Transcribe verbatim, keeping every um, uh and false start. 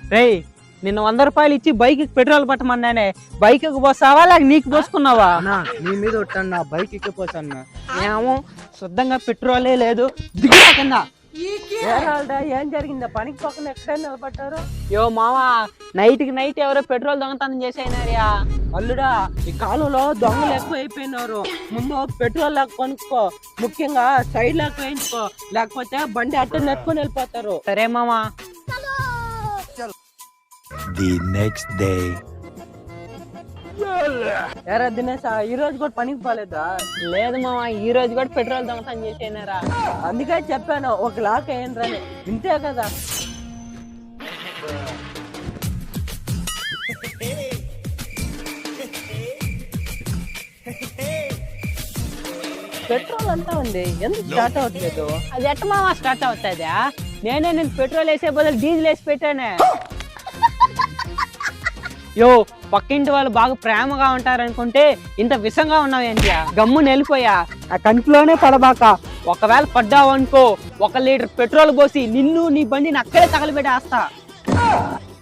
రేయ్ నిన్న వంద రూపాయలు ఇచ్చి బైక్ పెట్రోల్ పట్టమన్నానే బైక్ పోసావా లేక నీకు పోసుకున్నావా? నీ మీద ఒట్టాను, నా బైక్ ఎక్కిపోతాను. ఏమో శుద్ధంగా పెట్రోలే లేదు, దిగురా కింద. ఏం జరిగిందా? పనికి పక్కన ఎక్కడ నిలబడ్డారు? యో మావా, నైట్ కి నైట్ ఎవరో పెట్రోల్ దొంగతనం చేసేనారియా. అల్లుడా, ఈ కాలంలో దొంగలు ఎక్కువ అయిపోయినారు. ముందు పెట్రోల్ లాగా కొనుక్కో, ముఖ్యంగా సైడ్ లాగా వేయించుకో, లేకపోతే బండి అట్ట నెట్టుకొని వెళ్ళిపోతారు. సరే మామా. The next day. ఎరా దినేష్, ఈ రోజు కూడా పనికి పోలేదా? లేదు మామా, ఈ రోజు కూడా పెట్రోల్ దొంగతనం చేసేనారా. అందుకే చెప్పాను ఒక లాక్ అయ్యిండ్రని. ఇంతే కదా. పెట్రోల్ అంతా ఉంది, ఎందుకు స్టార్ట్ అవ్వట్లేదు? అది ఎట్ట మామా స్టార్ట్ అవుతుందా? నేనే నేను పెట్రోల్ వేసే బదులు డీజిల్ వేసి పెట్టానే. యో, పక్కింటి వాళ్ళు బాగా ప్రేమగా ఉంటారనుకుంటే ఇంత విషంగా ఉన్నావు ఏంటి? గమ్ము నెలిపోయా, ఆ కంటిలోనే పడబాక. ఒకవేళ పడ్డావు అనుకో, ఒక లీటర్ పెట్రోల్ పోసి నిన్ను నీ బండిని అక్కడే తగలబెట్టేస్తా.